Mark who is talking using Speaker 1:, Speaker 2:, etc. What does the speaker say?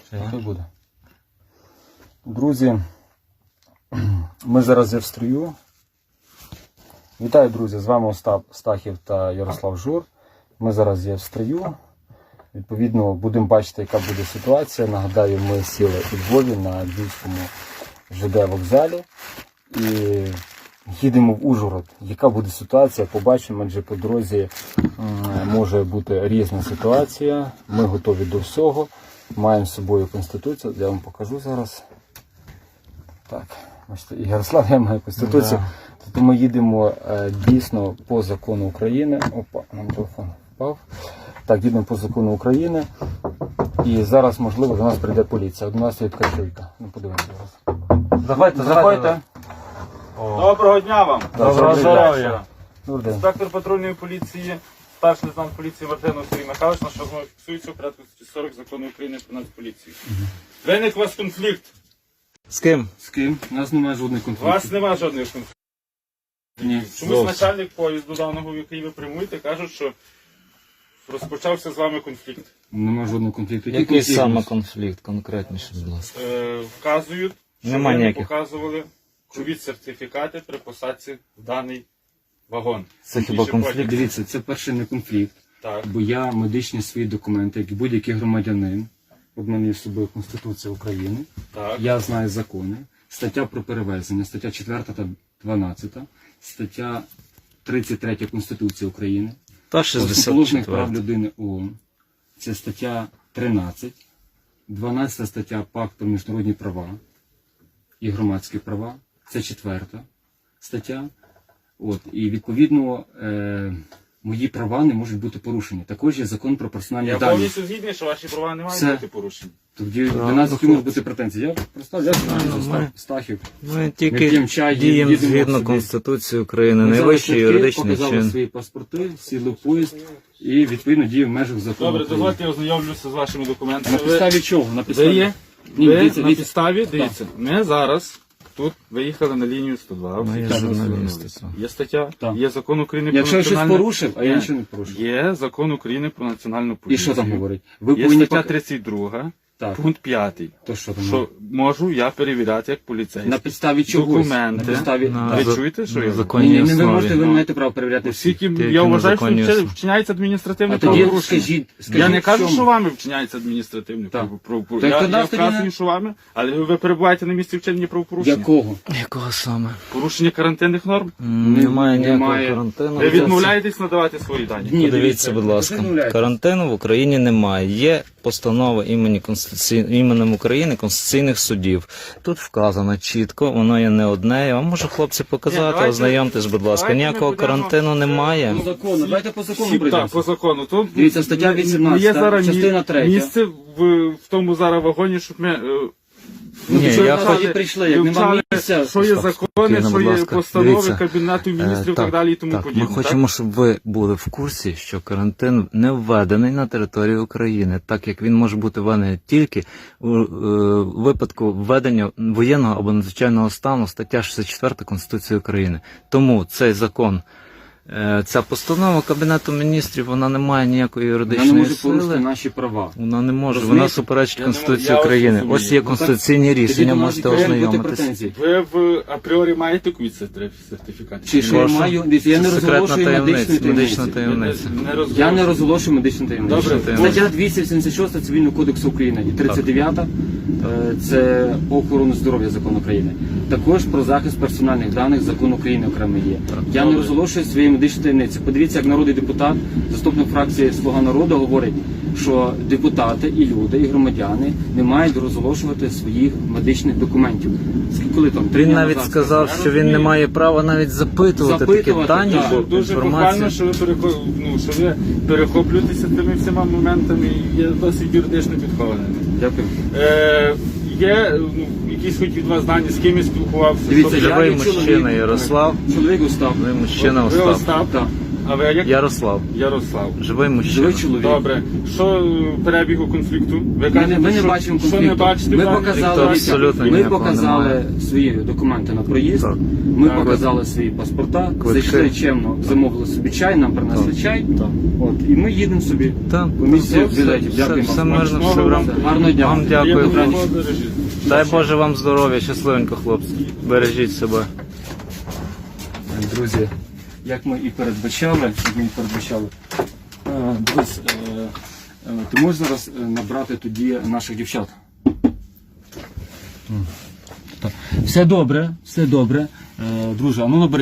Speaker 1: Хай буде. Друзі, ми зараз є в строю. Вітаю, друзі, з вами Остап Стахів та Ярослав Жур. Ми зараз є в строю. Відповідно, будемо бачити, яка буде ситуація. Нагадаю, ми сіли у Львові на Львівському ЖД вокзалі і їдемо в Ужгород. Яка буде ситуація, побачимо, адже по дорозі може бути різна ситуація. Ми готові до всього. Маємо з собою Конституцію, я вам покажу зараз. Так, бачите, і Ярослав, я маю Конституцію. Да. Тобто ми їдемо дійсно по закону України. Опа, нам телефон впав. Так, їдемо по закону України. І зараз, можливо, до нас прийде поліція. До нас є така чуйка. Ну, подивимося зараз. Заходьте.
Speaker 2: Доброго дня вам.
Speaker 1: Доброго здоров'я.
Speaker 2: Інспектор патрульної поліції, старший лейтенант поліції Мартинов Сергій Михайлович, на що знову фіксується у порядку 40 закону України про Нацполіцію. Виник у вас конфлікт.
Speaker 3: З ким?
Speaker 1: З ким? У нас немає жодних
Speaker 2: У
Speaker 1: конфліктів.
Speaker 2: вас немає жодних конфліктів.
Speaker 1: Ні.
Speaker 2: Чомусь начальник поїзду даного, в який ви прямуєте, кажуть, що розпочався з вами конфлікт.
Speaker 1: Немає жодного конфлікту.
Speaker 3: Який саме конфлікт, конкретніше, будь ласка?
Speaker 2: Вказують, що
Speaker 3: Нема
Speaker 2: ви не
Speaker 3: ніяких.
Speaker 2: показували ковід-сертифікати при посадці в даний вагон.
Speaker 3: Це хіба конфлікт?
Speaker 1: Дивіться, це перший не конфлікт.
Speaker 2: Так.
Speaker 1: Бо я медичні свої документи, як і будь-який громадянин, от мене є з собою Конституція України,
Speaker 2: Так.
Speaker 1: я знаю закони, стаття про перевезення, стаття 4 та 12, стаття 33 Конституції України,
Speaker 3: Та
Speaker 1: Основоположних прав
Speaker 3: 64.
Speaker 1: людини ООН, це стаття 13, 12 стаття Пакту про міжнародні права і громадські права, це 4 стаття. От, і відповідно мої права не можуть бути порушені. Також є закон про персональні
Speaker 2: Я
Speaker 1: дані.
Speaker 2: повністю згідний, що ваші права не мають
Speaker 1: Все.
Speaker 2: бути порушені.
Speaker 1: Тоді до нас які можуть бути претензії. Я представляю,
Speaker 3: ми-
Speaker 1: Стахів.
Speaker 3: Ми
Speaker 1: Ми
Speaker 3: тільки
Speaker 1: п'ємо чай,
Speaker 3: діємо
Speaker 1: їдемо
Speaker 3: згідно
Speaker 1: собі.
Speaker 3: Конституції України,
Speaker 1: Ми взяли
Speaker 3: найвищий
Speaker 1: квитки,
Speaker 3: юридичний
Speaker 1: показали
Speaker 3: чин.
Speaker 1: свої паспорти, сіли в поїзд і відповідно діє в межах закону.
Speaker 2: Добре,
Speaker 1: України.
Speaker 2: дозвольте, я ознайомлюся з вашими документами.
Speaker 1: На підставі чого? На
Speaker 2: Ви
Speaker 1: підставі?
Speaker 2: є?
Speaker 1: Ні,
Speaker 2: Ви
Speaker 1: дивіться,
Speaker 2: на
Speaker 1: дивіться.
Speaker 2: підставі, дивіться, ми зараз тут виїхали на лінію 102.
Speaker 3: Ми є
Speaker 2: всі
Speaker 3: журналісти,
Speaker 2: звернулися.
Speaker 3: так.
Speaker 2: Є стаття,
Speaker 1: Так.
Speaker 2: є закон України про
Speaker 1: Якщо я щось
Speaker 2: національну...
Speaker 1: порушив, а я
Speaker 2: Ні.
Speaker 1: нічого не порушив.
Speaker 2: Є закон України про національну
Speaker 1: І
Speaker 2: поліцію.
Speaker 1: що там говорить? Ви
Speaker 2: Є
Speaker 1: повинні
Speaker 2: стаття
Speaker 1: пока-
Speaker 2: 32,
Speaker 1: Так.
Speaker 2: пункт 5.
Speaker 1: То що там?
Speaker 2: Що можу я перевіряти як поліцейський.
Speaker 1: На підставі чогось.
Speaker 2: Документи.
Speaker 1: На підставі...
Speaker 3: На
Speaker 2: Ви
Speaker 1: Так.
Speaker 2: чуєте, що
Speaker 3: на
Speaker 2: я
Speaker 1: Ні,
Speaker 3: законній
Speaker 1: ні, ви можете,
Speaker 3: основі.
Speaker 1: ви маєте право перевіряти всі.
Speaker 2: Оскільки
Speaker 3: Тільки
Speaker 2: я
Speaker 3: на
Speaker 2: вважаю, що
Speaker 3: законній основі.
Speaker 2: вчиняється адміністративне
Speaker 1: А тоді
Speaker 2: правопорушення.
Speaker 1: скажіть,
Speaker 2: Я не
Speaker 1: в
Speaker 2: кажу,
Speaker 1: чому?
Speaker 2: що вами вчиняється адміністративне
Speaker 1: Так.
Speaker 2: правопорушення.
Speaker 1: Так
Speaker 2: Я
Speaker 1: тоді тоді
Speaker 2: вказую,
Speaker 1: не-
Speaker 2: що вами, але ви перебуваєте на місці вчинення правопорушення.
Speaker 1: Якого?
Speaker 3: Якого саме?
Speaker 2: Порушення карантинних норм.
Speaker 3: Немає ніякого
Speaker 1: немає.
Speaker 3: карантину.
Speaker 2: Ви відмовляєтесь надавати свої дані.
Speaker 1: Ні,
Speaker 3: Подивіться, будь ласка, карантину в Україні немає. Є постанова іменем України Конституційних судів. Тут вказано чітко, воно є не одне. Я вам можу, хлопці,
Speaker 2: Ні,
Speaker 3: показати,
Speaker 2: давайте-
Speaker 3: ознайомтесь, будь ласка.
Speaker 2: давайте ми
Speaker 3: Ніякого
Speaker 2: будемо-
Speaker 3: карантину немає.
Speaker 1: По закону, давайте по закону
Speaker 2: Так,
Speaker 1: прийдемо.
Speaker 2: по закону. Тут
Speaker 1: Дивіться, стаття 18,
Speaker 2: є зараз
Speaker 1: частина 3.
Speaker 2: місце в тому зараз вагоні, щоб ми
Speaker 3: Ні,
Speaker 1: що
Speaker 3: я
Speaker 1: ви
Speaker 3: хоч-
Speaker 1: тоді прийшли, як нема
Speaker 2: вивчали,
Speaker 1: місця.
Speaker 2: що є
Speaker 3: Стоп,
Speaker 2: закони,
Speaker 3: спокійно,
Speaker 2: що
Speaker 3: будь
Speaker 2: є
Speaker 3: ласка.
Speaker 2: постанови
Speaker 3: Дивіться.
Speaker 2: Кабінету міністрів і так далі і тому
Speaker 3: так,
Speaker 2: подібне.
Speaker 3: ми хочемо, щоб ви були в курсі, що карантин не введений на території України, так як він може бути введений тільки у випадку введення воєнного або надзвичайного стану, стаття 64 Конституції України. Тому цей закон, ця постанова Кабінету міністрів, вона не має ніякої
Speaker 1: Вона не
Speaker 3: юридичної
Speaker 1: може порушити
Speaker 3: сили.
Speaker 1: наші права.
Speaker 3: Вона не може,
Speaker 1: Розумієте?
Speaker 3: вона суперечить
Speaker 2: Я
Speaker 3: Конституції
Speaker 2: ось
Speaker 3: України.
Speaker 2: розумію.
Speaker 3: Ось є
Speaker 1: Ну,
Speaker 3: конституційні
Speaker 1: Тоді
Speaker 3: рішення,
Speaker 1: до нас
Speaker 3: можете
Speaker 1: повинні бути
Speaker 3: ознайомитись.
Speaker 1: претензії.
Speaker 2: Ви в апріорі маєте ковід-сертифікат?
Speaker 1: Чи що я
Speaker 3: Прошу.
Speaker 1: маю? Дивіться, я не
Speaker 3: Це секретна
Speaker 1: розголошую
Speaker 3: таємниця,
Speaker 1: медичну
Speaker 3: медична
Speaker 1: таємницю.
Speaker 3: таємниця.
Speaker 1: Я не розголошую медичну таємницю.
Speaker 2: Добре,
Speaker 1: Стаття 276 Цивільного кодексу України і 39 це по охорону здоров'я закон України. Також про захист персональних даних закон України окремо є. Я не
Speaker 2: добре.
Speaker 1: розголошую свої медичні таємниці. Подивіться, як народний депутат, заступник фракції Слуга народу говорить, що депутати і люди, і громадяни не мають розголошувати своїх медичних документів. Коли там 3
Speaker 3: Він
Speaker 1: дня
Speaker 3: навіть
Speaker 1: назад
Speaker 3: сказав, що він не має права навіть запитувати такі
Speaker 1: Запитувати,
Speaker 3: дані,
Speaker 1: так.
Speaker 3: бо
Speaker 2: Дуже похвально,
Speaker 3: інформація.
Speaker 2: що ви перехоплюєтеся тими всіма моментами і є досить юридично підхованими.
Speaker 1: Дякую.
Speaker 2: Є якісь хоч від вас дані, з ким я спілкувався?
Speaker 1: Дивіться,
Speaker 2: Тобто,
Speaker 1: я
Speaker 3: Ви
Speaker 1: є
Speaker 3: мужчина,
Speaker 1: чоловік.
Speaker 3: Ярослав.
Speaker 1: Чоловік Остап.
Speaker 3: Ви мужчина
Speaker 2: ви
Speaker 3: Остап.
Speaker 2: Остап,
Speaker 1: Так.
Speaker 2: А ви як?
Speaker 3: Ярослав.
Speaker 2: Ярослав.
Speaker 3: Живий мужчина.
Speaker 1: Живий чоловік.
Speaker 2: Добре. Що перебігу конфлікту? Ви кажете,
Speaker 1: Ми не
Speaker 2: що-
Speaker 1: бачимо
Speaker 2: що
Speaker 1: конфлікту.
Speaker 2: не бачите?
Speaker 1: Ми
Speaker 2: так?
Speaker 1: показали,
Speaker 3: абсолютно
Speaker 1: ми
Speaker 3: ніякого
Speaker 1: показали
Speaker 3: немає.
Speaker 1: свої документи на проїзд,
Speaker 3: Так.
Speaker 1: ми
Speaker 2: Так.
Speaker 1: показали свої паспорта,
Speaker 3: Квитки.
Speaker 1: зайшли чемно, замовили собі чай, нам принесли чай. От, і ми їдемо собі.
Speaker 3: Так,
Speaker 1: Комісія
Speaker 3: все,
Speaker 1: білетів. Дякую
Speaker 3: все
Speaker 1: вам.
Speaker 3: мирно, все в рамках.
Speaker 1: Гарного дня.
Speaker 3: Вам дякую.
Speaker 2: Приємного
Speaker 1: Добраніч.
Speaker 2: подорожі.
Speaker 3: Дай Боже вам здоров'я, щасливенько, хлопці. Бережіть себе.
Speaker 1: Друзі, як ми і передбачали, дивись, ти можеш зараз набрати тоді наших дівчат? Все добре, друже, а ну набери.